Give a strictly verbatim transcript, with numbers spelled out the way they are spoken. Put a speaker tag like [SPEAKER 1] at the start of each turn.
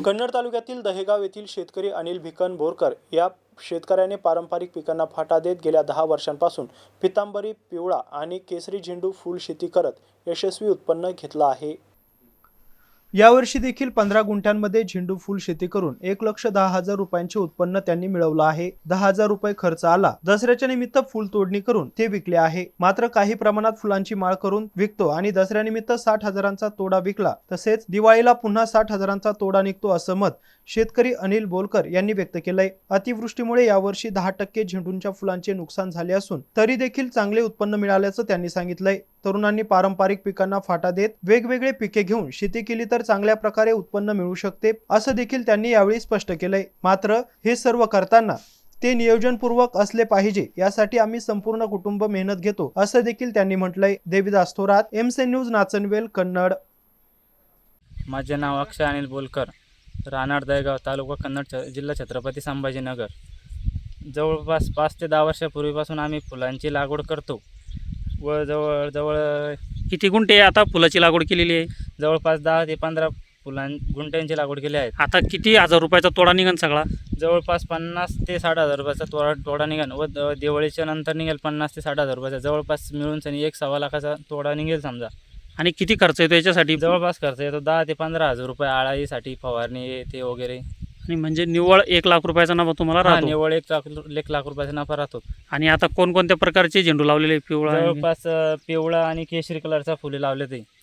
[SPEAKER 1] कन्नड तालुक्यातील दहेगाव येथील शेतकरी अनिल भिकन बोरकर या शेतकऱ्याने पारंपरिक पिकांना फाटा देत गेल्या दहा वर्षांपासून पितांबरी, पिवळा आणि केसरी झेंडू फुल शेती करत यशस्वी उत्पन्न घेतलं आहे। यावर्षी देखील पंधरा गुंठ्यांमध्ये झेंडू फुल शेती करून एक लक्ष दहा हजार रुपयांचे उत्पन्न त्यांनी मिळवलं आहे। दहा हजार रुपये खर्च आला। दसऱ्याच्या निमित्त फुल तोडणी करून ते विकले आहे। मात्र काही प्रमाणात फुलांची माळ करून विकतो आणि दसऱ्यानिमित्त साठ हजारांचा तोडा विकला, तसेच दिवाळीला पुन्हा साठ हजारांचा तोडा निघतो असं मत शेतकरी अनिल बोरकर यांनी व्यक्त केलंय। अतिवृष्टीमुळे यावर्षी दहा टक्के झेंडूच्या फुलांचे नुकसान झाले असून तरी देखील चांगले उत्पन्न मिळाल्याचं त्यांनी सांगितलंय। तरुणांनी पारंपरिक पिकांना फाटा देत वेगवेगळे पिके घेऊन शेती केली तर चांगल्या प्रकारे उत्पन्न मिळू शकते असं देखील त्यांनी यावेळी स्पष्ट केलंय। मात्र हे सर्व करताना ते नियोजनपूर्वक असले पाहिजे, यासाठी आम्ही संपूर्ण कुटुंब मेहनत घेतो असं देखील त्यांनी म्हटलंय। Devidas Thorat, MC news, Nachanvel, Kannad.
[SPEAKER 2] माझे नाव अक्षय अनिल बोलकर, राहणार दहेगाव, तालुका कन्नड, जिल्हा छत्रपती संभाजीनगर। जवळपास पाच ते दहा वर्षापूर्वीपासून आम्ही फुलांची लागवड करतो व जवळ जवळ
[SPEAKER 3] किती गुंठे आता फुलाची लागवड केलेली आहे?
[SPEAKER 2] जवळपास दहा ते पंधरा फुलां गुंठ्यांची लागवड केली आहे।
[SPEAKER 3] आता किती हजार रुपयाचा तोडा निघन सगळा?
[SPEAKER 2] जवळपास पन्नास ते साठ हजार रुपयाचा तोडा तोडा निघेल व दिवाळीच्या नंतर निघेल पन्नास ते साठ हजार रुपयाचा, जवळपास मिळून सनी एक सव्वा लाखाचा तोडा निघेल समजा।
[SPEAKER 3] आणि किती खर्च येतो याच्यासाठी?
[SPEAKER 2] जवळपास खर्च येतो दहा ते पंधरा हजार रुपये आळाईसाठी, फवारणी ते वगैरे।
[SPEAKER 3] आणि म्हणजे निव्वळ एक लाख रुपयाचा नफा तुम्हाला राहतो?
[SPEAKER 2] निव्वळ एक लाख एक लाख रुपयाचा नफा राहतो।
[SPEAKER 3] आणि आता कोणकोणत्या प्रकारचे झेंडू लावलेले? पिवळा,
[SPEAKER 2] जवळपास पिवळा आणि केशरी कलरचा फुले लावले ते।